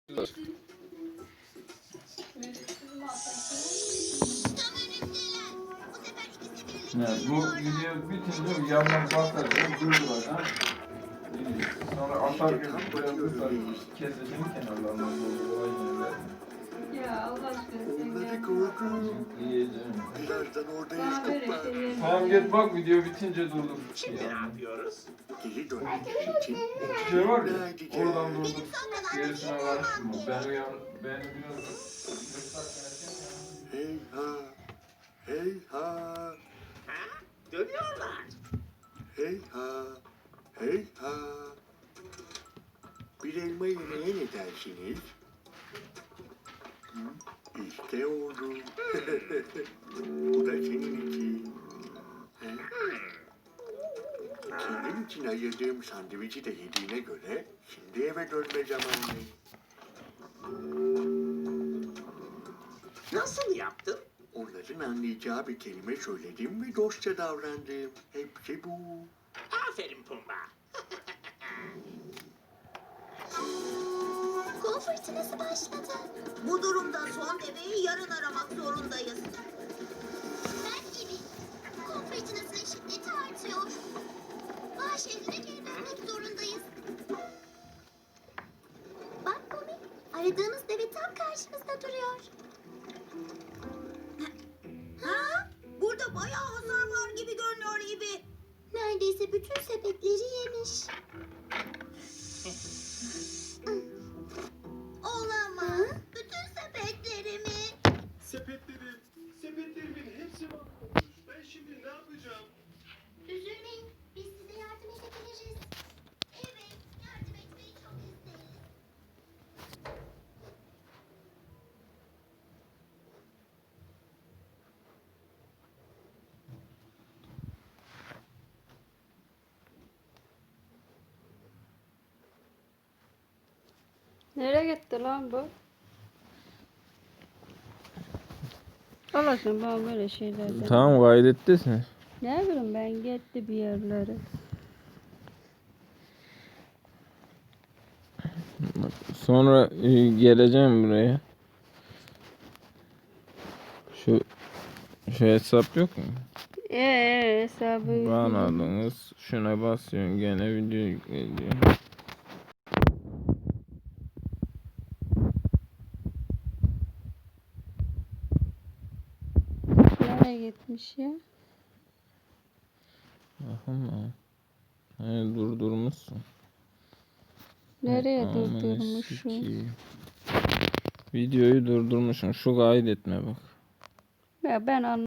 Yani bu video bitince yandan kalkarken durduracağım. Sonra atarken böyle keseceğim kenarlarına doğru aynı yerler. Ya Allah aşkına sen Onları gel. korkuyorum. Yiyeceğim. Birazdan orada Sana böyle yakup var. şey yerim. Tamam git bak video bitince durdur. Şimdi ne yapıyoruz? Geri dönmek için Bir şey var ya ikna edeceğim. oradan durdur. Gerisine karıştırma. Beni biraz Hey ha, hey ha, Ha? Dönüyorlar. hey ha, hey ha. Bir elma yemeye ne dersiniz? Hı? İşte oldu. Bu da senin için. He? Senin için ayırdığım sandviçi de yediğine göre şimdi eve dönme zamanı. Nasıl yaptın? Onların anlayacağı bir kelime söyledim ve dostça davrandım. Hepsi bu. Aferin Pumba. Kum fırtınası başladı. Bu durumda son deveyi yarın aramak zorundayız. Ben gibi. Kum fırtınasının şiddeti artıyor. Bağ şehrine geri dönmek zorundayız. Bak Komi, aradığımız deve tam karşımızda duruyor. Ha? Burada bayağı hasar var gibi görünüyor gibi. Neredeyse bütün sepetleri yemiş. Olamaz. Bütün sepetlerimi. Sepetlerimin hepsi mahvolmuş. Ben şimdi ne yapacağım? Üzülmeyin. Biz size yardım edebiliriz. Evet, yardım etmeyi çok isteriz. Nereye gitti lan bu? Allah aşkına bana böyle şeyler de. Tamam kaydettin. Ne bileyim ben gitti bir yerlere. Sonra geleceğim buraya. Şu hesap yok mu? Hesabı. Bağladınız. Şuna basıyorsun gene video yükleniyor. Nereye gitmiş ya? Bakın durdurmuşsun. Nereye Aman durdurmuşum? sikeyim. Videoyu durdurmuşsun. Şu kaydetme bak. Ya ben